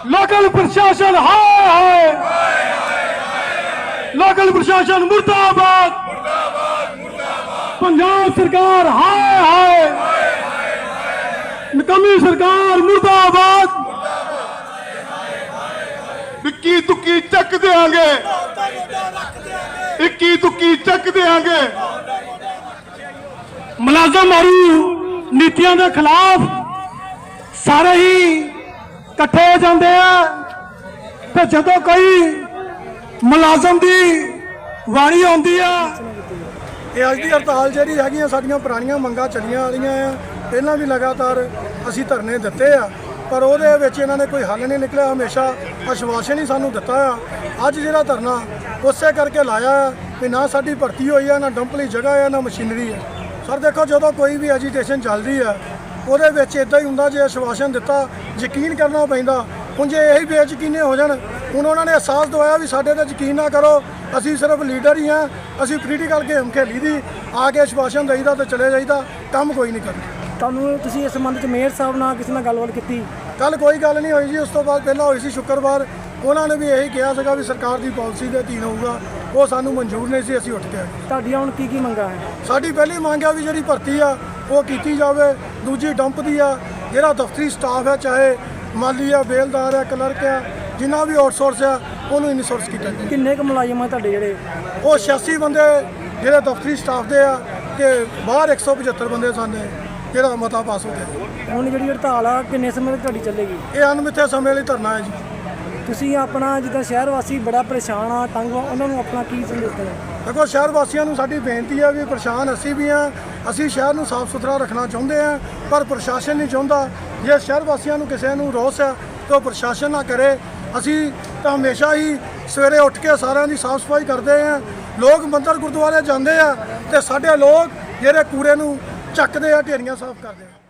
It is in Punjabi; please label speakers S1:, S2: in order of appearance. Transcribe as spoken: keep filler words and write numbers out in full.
S1: लोकल प्रशासन हाय हाय, लोकल प्रशासन मुर्दाबाद, पंजाब सरकार हाय हाय, निकम्मी सरकार मुर्दाबाद। इक्की तुक्की चक देंगे, इक्की तुक्की चक देंगे। मुलाजम मारू नीतियों के खिलाफ सारे ही इकट्ठे हो जाते हैं, तो जो कोई मुलाजम की वारी आती है।
S2: ਇਹ ਅੱਜ ਦੀ ਹੜਤਾਲ ਜਿਹੜੀ ਹੈਗੀਆਂ ਸਾਡੀਆਂ ਪੁਰਾਣੀਆਂ ਮੰਗਾਂ ਚੱਲੀਆਂ ਵਾਲੀਆਂ ਆ, ਪਹਿਲਾਂ ਵੀ ਲਗਾਤਾਰ ਅਸੀਂ ਧਰਨੇ ਦਿੱਤੇ ਆ, ਪਰ ਉਹਦੇ ਵਿੱਚ ਇਹਨਾਂ ਨੇ ਕੋਈ ਹੱਲ ਨਹੀਂ ਨਿਕਲਿਆ। ਹਮੇਸ਼ਾ ਆਸ਼ਵਾਸਨ ਹੀ ਸਾਨੂੰ ਦਿੱਤਾ ਆ। ਅੱਜ ਜਿਹੜਾ ਧਰਨਾ ਉਸੇ ਕਰਕੇ ਲਾਇਆ ਕਿ ਨਾ ਸਾਡੀ ਭਰਤੀ ਹੋਈ ਆ, ਨਾ ਡੰਪ ਲਈ ਜਗ੍ਹਾ ਆ, ਨਾ ਮਸ਼ੀਨਰੀ ਆ। ਸਰ ਦੇਖੋ, ਜਦੋਂ ਕੋਈ ਵੀ ਐਜੀਟੇਸ਼ਨ ਚੱਲਦੀ ਆ ਉਹਦੇ ਵਿੱਚ ਇਦਾਂ ਹੀ ਹੁੰਦਾ, ਜੇ ਆਸ਼ਵਾਸਨ ਦਿੱਤਾ ਯਕੀਨ ਕਰਨਾ ਪੈਂਦਾ। ਹੁਣ ਜੇ ਇਹੀ ਬੇਯਕੀਨੇ ਹੋ ਜਾਣ, ਹੁਣ ਉਹਨਾਂ ਨੇ ਅਹਿਸਾਸ ਦਵਾਇਆ ਵੀ ਸਾਡੇ ਤੇ ਯਕੀਨ ਨਾ ਕਰੋ, ਅਸੀਂ ਸਿਰਫ ਲੀਡਰ ਹੀ ਹਾਂ, ਅਸੀਂ ਪੋਲੀਟੀਕਲ ਗੇਮ ਖੇਲੀ ਦੀ, ਆ ਕੇ ਆਸ਼ਵਾਸਨ ਦੇਈਦਾ ਤੇ ਚਲੇ ਜਾਈਦਾ, ਕੰਮ ਕੋਈ ਨਹੀਂ ਕਰਦਾ।
S3: ਤੁਹਾਨੂੰ ਤੁਸੀਂ ਇਸ ਸੰਬੰਧ 'ਚ ਮੇਅਰ ਸਾਹਿਬ ਨਾਲ ਕਿਸੇ ਨਾਲ ਗੱਲਬਾਤ ਕੀਤੀ?
S2: ਕੱਲ ਕੋਈ ਗੱਲ ਨਹੀਂ ਹੋਈ ਜੀ। ਉਸ ਤੋਂ ਬਾਅਦ ਪਹਿਲਾਂ ਹੋਈ ਸੀ ਸ਼ੁੱਕਰਵਾਰ, ਉਹਨਾਂ ਨੇ ਵੀ ਇਹੀ ਕਿਹਾ ਸੀਗਾ ਵੀ ਸਰਕਾਰ ਦੀ ਪਾਲਿਸੀ ਦੇ ਅਧੀਨ ਹੋਊਗਾ, ਉਹ ਸਾਨੂੰ ਮਨਜ਼ੂਰ ਨਹੀਂ ਸੀ, ਅਸੀਂ ਉੱਠ ਕੇ ਆਏ।
S3: ਤੁਹਾਡੀਆਂ ਹੁਣ ਕੀ ਕੀ ਮੰਗਾਂ ਹੈ?
S2: ਸਾਡੀ ਪਹਿਲੀ ਮੰਗ ਆ ਵੀ ਜਿਹੜੀ ਭਰਤੀ ਆ ਉਹ ਕੀਤੀ ਜਾਵੇ। ਦੂਜੀ ਡੰਪ ਦੀ ਆ, ਜਿਹੜਾ ਦਫ਼ਤਰੀ ਸਟਾਫ ਹੈ, ਚਾਹੇ ਮਾਲੀ ਆ, ਬੇਲਦਾਰ ਆ, ਕਲਰਕ ਆ, ਜਿੰਨਾ ਵੀ ਆਊਟਸੋਰਸ ਆ, ਉਹਨੂੰ ਇਨਸੋਰਸ ਕੀਤਾ ਜਾਵੇ।
S3: ਕਿੰਨੇ ਕੁ ਮੁਲਾਜ਼ਮ ਆ ਤੁਹਾਡੇ ਜਿਹੜੇ?
S2: ਉਹ ਛਿਆਸੀ ਬੰਦੇ ਜਿਹੜੇ ਦਫ਼ਤਰੀ ਸਟਾਫ ਦੇ ਆ, ਤੇ ਬਾਹਰ ਇੱਕ ਸੌ ਪਝੱਤਰ ਬੰਦੇ ਸਨ ਜਿਹੜਾ ਮਤਾ ਪਾਸ ਹੋ ਗਿਆ।
S3: ਹੁਣ ਜਿਹੜੀ ਹੜਤਾਲ ਆ ਕਿੰਨੇ ਸਮੇਂ ਤੱਕ ਤੁਹਾਡੀ ਚੱਲੇਗੀ?
S2: ਇਹ ਅਣਮਿੱਥੇ ਸਮੇਂ ਲਈ ਧਰਨਾ ਹੈ ਜੀ।
S3: ਤੁਸੀਂ ਆਪਣਾ ਜਿੱਦਾਂ ਸ਼ਹਿਰ ਵਾਸੀ ਬੜਾ ਪਰੇਸ਼ਾਨ ਆ, ਤੰਗ ਆ, ਉਹਨਾਂ ਨੂੰ ਆਪਣਾ ਕੀ ਸੰਦੇਸ਼ ਦੇਣਾ?
S2: ਦੇਖੋ, ਸ਼ਹਿਰ ਵਾਸੀਆਂ ਨੂੰ ਸਾਡੀ ਬੇਨਤੀ ਹੈ ਵੀ ਪਰੇਸ਼ਾਨ ਅਸੀਂ ਵੀ ਹਾਂ, ਅਸੀਂ ਸ਼ਹਿਰ ਨੂੰ ਸਾਫ਼ ਸੁਥਰਾ ਰੱਖਣਾ ਚਾਹੁੰਦੇ ਹਾਂ, ਪਰ ਪ੍ਰਸ਼ਾਸਨ ਨਹੀਂ ਚਾਹੁੰਦਾ। ਜੇ ਸ਼ਹਿਰ ਵਾਸੀਆਂ ਨੂੰ ਕਿਸੇ ਨੂੰ ਰੋਸ ਹੈ ਤਾਂ ਉਹ ਪ੍ਰਸ਼ਾਸਨ ਨਾ ਕਰੇ। ਅਸੀਂ ਤਾਂ ਹਮੇਸ਼ਾ ਹੀ ਸਵੇਰੇ ਉੱਠ ਕੇ ਸਾਰਿਆਂ ਦੀ ਸਾਫ਼ ਸਫਾਈ ਕਰਦੇ ਹਾਂ। ਲੋਕ ਮੰਦਰ ਗੁਰਦੁਆਰੇ ਜਾਂਦੇ ਆ ਤੇ ਸਾਡੇ ਲੋਕ ਜਿਹੜੇ ਕੂੜੇ ਨੂੰ ਚੱਕਦੇ ਆ, ਢੇਰੀਆਂ ਸਾਫ਼ ਕਰਦੇ ਆ।